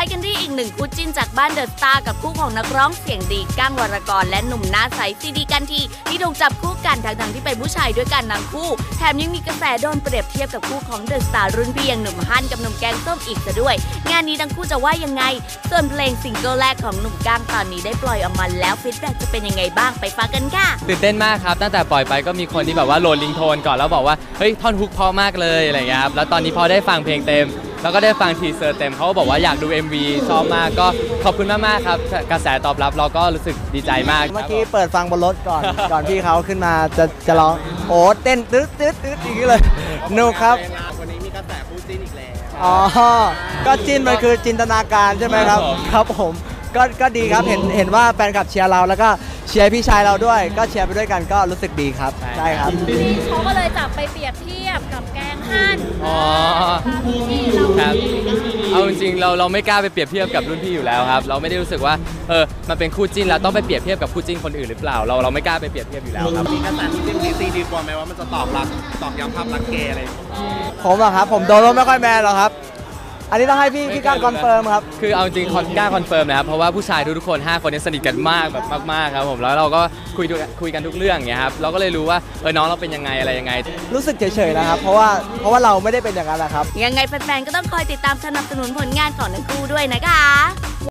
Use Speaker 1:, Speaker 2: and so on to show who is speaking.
Speaker 1: กันที่อีกหนึ่งคู่จิ้นจากบ้านเดอะสตาร์กับคู่ของนักร้องเสียงดีก้างวรกรและหนุ่มหน้าใสซีดีกันทีที่ถูกจับคู่กันทั้งที่เป็นผู้ชายด้วยกันทั้งคู่แถมยังมีกระแสโดนเปรียบเทียบกับคู่ของเดอะสตาร์รุ่นพี่อย่างหนุ่มฮั่นกับหนุ่มแกงส้มอีกซะด้วยงานนี้ทั้งคู่จะว่ายังไงส่วนเพลงซิงเกิลแรกของหนุ่มก้างตอนนี้ได้ปล่อยออกมาแล้วฟีดแบ็กจะเป็นยังไงบ้างไปฟังกันค่ะ
Speaker 2: ตื่นเต้นมากครับตั้งแต่ปล่อยไปก็มีคนที่แบบว่าโหลดลิงโทนก่อนแล้วบอกว่าเฮ้ยท่อนฮุกเพราะมากเลยอะไรอย่างเงี้ยครับแล้วตอนนี้พอได้ฟังเพลงเต็มแล้วก็ได้ฟังทีเซอร์เต็มเขาก็บอกว่าอยากดู MV ชอบมากก็ขอบคุณมากๆครับกระแสตอบรับเราก็รู้สึกดีใจมาก
Speaker 3: เมื่อกี้เปิดฟังบนรถก่อน ก่อนพี่เขาขึ้นมาจะร้องโอ้เต้นตึ๊ดอย่างนี้เลยนุกครับ
Speaker 4: วันนี้มีกระแสคู่จิ้นอีกแล้ว
Speaker 3: อ๋อก็จิ้นมันคือจินตนาการใช่ไหมครับครับผมก็ดีครับเห็นว่าแฟนคลับเชียร์เราแล้วก็เชียร์พี่ชายเราด้วยก็เชียร์ไปด้วยกันก็รู้สึกดีครับใช่ครับ
Speaker 1: เขาก็เลยจับไปเปรียบเทียบกับแกงฮั่น
Speaker 2: อ๋อครับเอาจริงๆเราไม่กล้าไปเปรียบเทียบกับรุ่นพี่อยู่แล้วครับเราไม่ได้รู้สึกว่ามันเป็นคู่จิ้นแล้วต้องไปเปรียบเทียบกับคู่จิ้นคนอื่นหรือเปล่าเราไม่กล้าไปเปรียบเทียบอยู่แล้วครับ
Speaker 4: มีกระแสคู่จิ้นดีกว่าไหมว่ามันจะตอบย้ำภาพรักเกย์อะไร
Speaker 3: ผมอะครับผมโดนไม่ค่อยแมนหรอกครับอันนี้ต้องให้พี่ก้างคอนเฟิร์มครับ
Speaker 2: คือเอาจริงก้างคอนเฟิร์มนะครับเพราะว่าผู้ชายทุกคน5คนนี้สนิทกันมากแบบมากๆครับผมแล้วเราก็คุยกันทุกเรื่องอย่างเงี้ยครับเราก็เลยรู้ว่าน้องเราเป็นยังไงอะไรยังไง
Speaker 3: รู้สึกเฉยๆนะครับเพราะว่าเราไม่ได้เป็นอย่างนั้นแหละครับ
Speaker 1: ยังไงแฟนๆก็ต้องคอยติดตามสนับสนุนผลงานของทั้งคู่ด้วยนะคะ